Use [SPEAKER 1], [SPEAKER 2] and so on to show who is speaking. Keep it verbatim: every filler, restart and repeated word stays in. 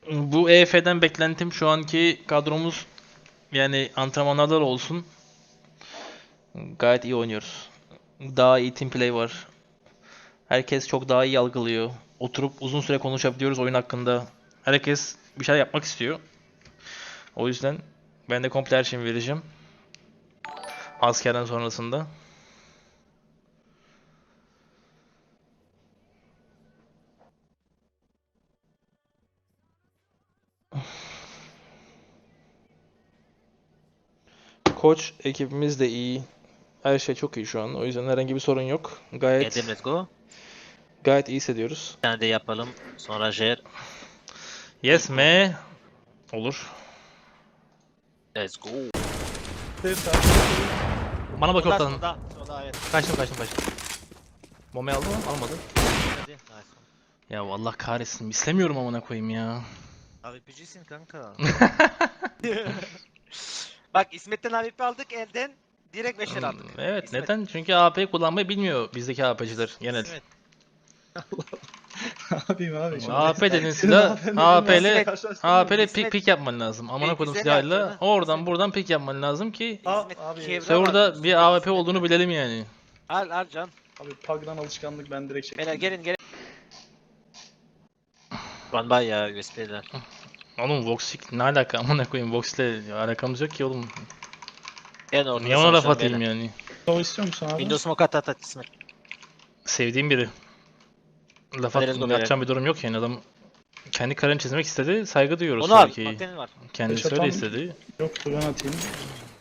[SPEAKER 1] Bu E F'den beklentim şu anki kadromuz, yani antrenmanlarda da olsun, gayet iyi oynuyoruz. Daha iyi team play var. Herkes çok daha iyi algılıyor. Oturup uzun süre konuşabiliyoruz oyun hakkında. Herkes bir şeyler yapmak istiyor. O yüzden ben de komple her şeyimi vereceğim. Askerden sonrasında. Koç ekibimiz de iyi. Her şey çok iyi şu an. O yüzden herhangi bir sorun yok. Gayet
[SPEAKER 2] Geldim, let's go.
[SPEAKER 1] gayet iyi hissediyoruz.
[SPEAKER 2] Bir tane de yapalım. Sonra Jer.
[SPEAKER 1] Yes me. Olur.
[SPEAKER 2] Let's go.
[SPEAKER 1] Bana bak
[SPEAKER 3] Soda,
[SPEAKER 1] ortadan.
[SPEAKER 3] soda, soda, evet.
[SPEAKER 1] Kaçtım kaçtım kaçtım. Bombayı aldı mı? Almadı.
[SPEAKER 3] Hadi. Nice.
[SPEAKER 1] Ya Allah kahretsin. İstemiyorum amına koyayım ya.
[SPEAKER 3] A V P'cisin kanka. Bak İsmet'ten A V P aldık elden. Direkt beşer aldık.
[SPEAKER 1] Hmm, Evet,
[SPEAKER 3] İsmet.
[SPEAKER 1] neden? Çünkü A P kullanmayı bilmiyor bizdeki A P'ciler genel.
[SPEAKER 3] İsmet.
[SPEAKER 4] Ne yapayım abi? Şimdi
[SPEAKER 1] A P dediğin
[SPEAKER 4] Senin
[SPEAKER 1] silah
[SPEAKER 4] AP'nin
[SPEAKER 1] A P
[SPEAKER 4] dediğin
[SPEAKER 1] ile
[SPEAKER 4] karşılaştırma
[SPEAKER 1] A P ile
[SPEAKER 3] İsmet-
[SPEAKER 1] pik pik yapman lazım. Amına
[SPEAKER 3] E,
[SPEAKER 1] koydum
[SPEAKER 3] güzel
[SPEAKER 1] silahıyla
[SPEAKER 3] yaptın ha.
[SPEAKER 1] oradan
[SPEAKER 3] İsmet-
[SPEAKER 1] buradan pik yapman lazım ki
[SPEAKER 4] Aa,
[SPEAKER 3] İsmet
[SPEAKER 4] abi,
[SPEAKER 3] Kevra
[SPEAKER 1] serverda
[SPEAKER 3] var.
[SPEAKER 1] bir A W P
[SPEAKER 3] İsmet-
[SPEAKER 1] olduğunu bilelim yani.
[SPEAKER 3] Al al can.
[SPEAKER 4] Abi Pag'dan alışkanlık ben direkt çektim.
[SPEAKER 3] Beyler gelin gelin.
[SPEAKER 2] Run by ya U S B'ler.
[SPEAKER 1] Oğlum Voxic ne alaka amına koyayım, Voxic'le alakamız yok ki oğlum.
[SPEAKER 2] En ortada
[SPEAKER 1] Niye ona laf
[SPEAKER 2] savaşalım
[SPEAKER 1] atayım
[SPEAKER 2] beyler.
[SPEAKER 1] yani?
[SPEAKER 4] O istiyor musun abi?
[SPEAKER 2] Windows smoke at at at İsmet.
[SPEAKER 1] Sevdiğim biri. Laf
[SPEAKER 2] Hadi
[SPEAKER 1] at,
[SPEAKER 2] let's go
[SPEAKER 1] yapacağım bir durum yok yani, adam kendi kararını çizmek istedi, saygı duyuyoruz
[SPEAKER 2] Onu al.
[SPEAKER 1] tabii ki.
[SPEAKER 2] Maktenin var.
[SPEAKER 1] Kendisi
[SPEAKER 4] Beş
[SPEAKER 1] öyle
[SPEAKER 4] atan-
[SPEAKER 1] istedi.
[SPEAKER 4] Yoktu ben atayım.